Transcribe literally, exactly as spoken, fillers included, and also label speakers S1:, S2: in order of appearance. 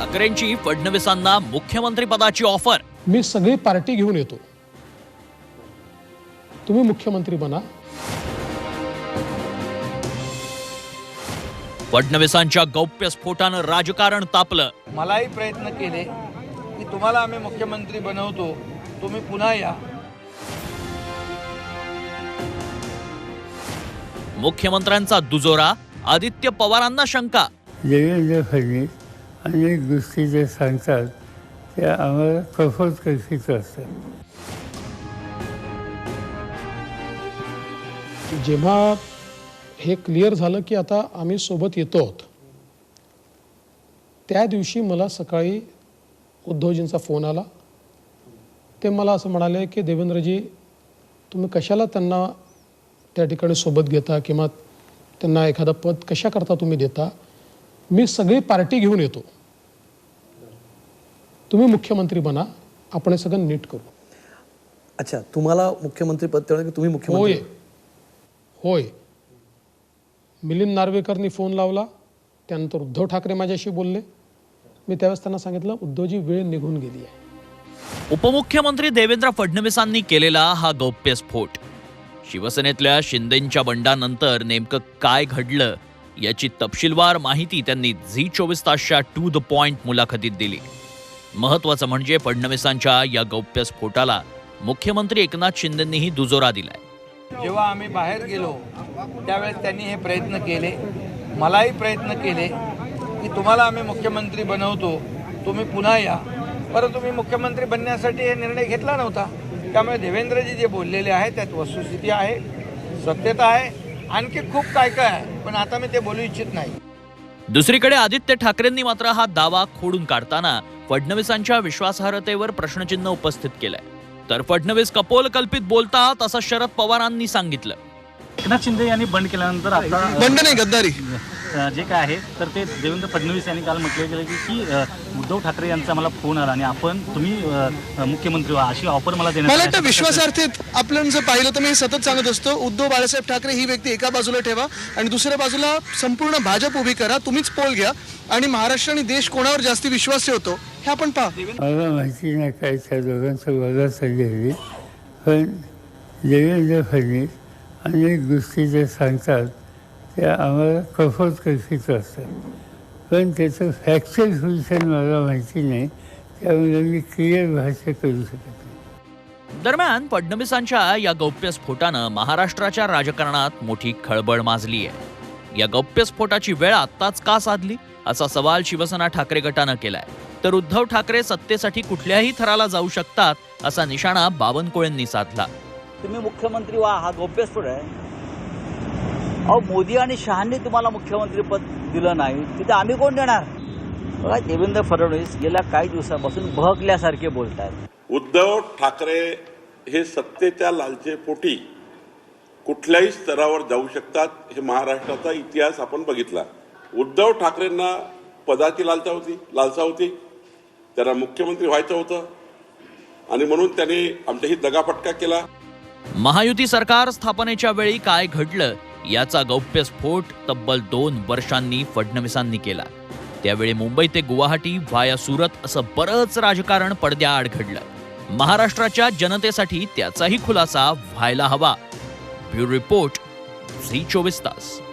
S1: ठाकरेंची फडणवीसांना मुख्यमंत्री पदाची ऑफर।
S2: मी सगळी पार्टी घेऊन येतो, तुम्ही मुख्यमंत्री बना।
S1: फडणवीसांच्या गौप्यस्फोटानं राजकारण तापलं।
S3: मलाही प्रयत्न केले की तुम्हाला आम्ही मुख्यमंत्री बनवतो, तुम्ही पुन्हा या।
S1: मुख्यमंत्र्यांचा दुजोरा, आदित्य पवारांना शंका।
S4: देवेंद्र फडणवीस अनेक गोष्टी जे सांगतात त्या आम्हाला कफोत कशीचं असतात।
S2: जेव्हा हे क्लिअर झालं की आता आम्ही सोबत येतो आहोत, त्या दिवशी मला सकाळी उद्धवजींचा फोन आला। ते मला असं म्हणाले की देवेंद्रजी, तुम्ही कशाला त्यांना त्या ठिकाणी सोबत घेता किंवा त्यांना एखादं पद कशा करता तुम्ही देता? मी सगळी पार्टी घेऊन येतो, तुम्ही मुख्यमंत्री बना, आपण हे सगळं नीट करू।
S5: अच्छा, तुम्हाला मुख्यमंत्री पद देणार की तुम्ही
S2: होय
S5: मुख्यमंत्री?
S2: होय मिलिंद नार्वेकरनी फोन लावला, त्यानंतर उद्धव ठाकरे माझ्याशी बोलले। मी त्यावेळेस त्यांना सांगितलं, उद्धवजी वेळ निघून गेली आहे।
S1: उपमुख्यमंत्री देवेंद्र फडणवीसांनी केलेला हा गौप्यस्फोट, शिवसेनेतल्या शिंदेंच्या बंडानंतर नेमकं काय घडलं याची तपशीलवार माहिती त्यांनी झी चोवीस तासच्या टू द पॉइंट मुलाखतीत दिली। महत्वाचं म्हणजे फडणवीसांच्या या गौप्यस्फोटाला मुख्यमंत्री एकनाथ शिंदेंनीही दुजोरा दिलाय।
S3: जेव्हा आम्ही बाहेर गेलो त्यावेळेस त्यांनी हे प्रयत्न केले, मलाही प्रयत्न केले की तुम्हाला आम्ही मुख्यमंत्री बनवतो, तुम्ही पुन्हा या। परंतु तुम्ही मुख्यमंत्री बनण्यासाठी हे निर्णय घेतला नव्हता। त्यामुळे देवेंद्रजी जे बोललेले आहे त्यात वस्तुस्थिती आहे, सत्यता आहे, आणखी खूप काय काय आहे, पण आता मी ते बोलू इच्छित नाही।
S1: दुसरीकडे आदित्य ठाकरेंनी मात्र हा दावा खोडून काढताना फडणवीसांच्या विश्वासार्हतेवर प्रश्नचिन्ह उपस्थित केलंय। तर फडणवीस कपोल कल्पित बोलतात असं शरद पवारांनी सांगितलं।
S6: एकनाथ शिंदे यांनी बंड केल्यानंतर आता
S7: बंड नाही, गद्दारी
S6: जे काय आहे तर ते देवेंद्र फडणवीस यांनी काल म्हटलं गेलं की की उद्धव ठाकरे यांचा मला फोन आला आणि आपण तुम्ही मुख्यमंत्री व्हा अशी ऑफर मला देण्यात
S7: मला वाटतं विश्वासार्थीत आपण जर पाहिलं तर मी सतत सांगत असतो, उद्धव बाळासाहेब ठाकरे ही व्यक्ती एका बाजूला ठेवा आणि दुसऱ्या बाजूला संपूर्ण भाजप उभी करा, तुम्हीच पोल घ्या आणि महाराष्ट्र आणि देश कोणावर जास्ती विश्वास ठेवतो हे आपण पहा।
S4: मला माहिती नाही काय त्या दोघांचं वगैरे चालली, पण देवेंद्र फडणवीस अनेक गोष्टी जे सांगतात त्या आम्हाला कफोत कशीचं असतात, पण त्याचं फॅक्च्युअल सोल्युशन मला माहिती नाही, त्यामुळे मी क्लिअर भाषा करू शकत नाही।
S1: दरम्यान फडणवीसांच्या या गौप्यस्फोटानं महाराष्ट्राच्या राजकारणात मोठी खळबळ माजली आहे। या गौप्यस्फोटाची वेळ आत्ताच का साधली असा सवाल शिवसेना ठाकरे गटानं केलाय। तर उद्धव ठाकरे सत्तेसाठी कुठल्याही थराला जाऊ शकतात असा निशाणा बावनकुळेंनी साधला।
S8: तुम्ही मुख्यमंत्री व्हा हा गौप्यस्फोट आहे। अहो, मोदी आणि शहांनी तुम्हाला मुख्यमंत्री पद दिलं नाही, तिथे आम्ही कोण देणार? बघा, देवेंद्र फडणवीस गेल्या काही दिवसापासून बहकल्यासारखे बोलत आहेत।
S9: उद्धव ठाकरे हे सत्तेच्या लालचेपोटी कुठल्याही स्तरावर जाऊ शकतात, हे महाराष्ट्राचा इतिहास आपण बघितला। उद्धव ठाकरेंना पदाची लालसा होती लालसा होती त्यांना मुख्यमंत्री व्हायचं होतं आणि म्हणून त्यांनी आमच्याही दगाफटका केला।
S1: महायुती सरकार स्थापनेच्या वेळी काय घडलं याचा गौप्यस्फोट तब्बल दोन वर्षांनी फडणवीसांनी केला। त्यावेळी मुंबई ते गुवाहाटी व्हाया सुरत असं बरंच राजकारण पडद्याआड घडलं। महाराष्ट्राच्या जनतेसाठी त्याचाही खुलासा व्हायला हवा। ब्युरो रिपोर्ट, झी चोवीस तास।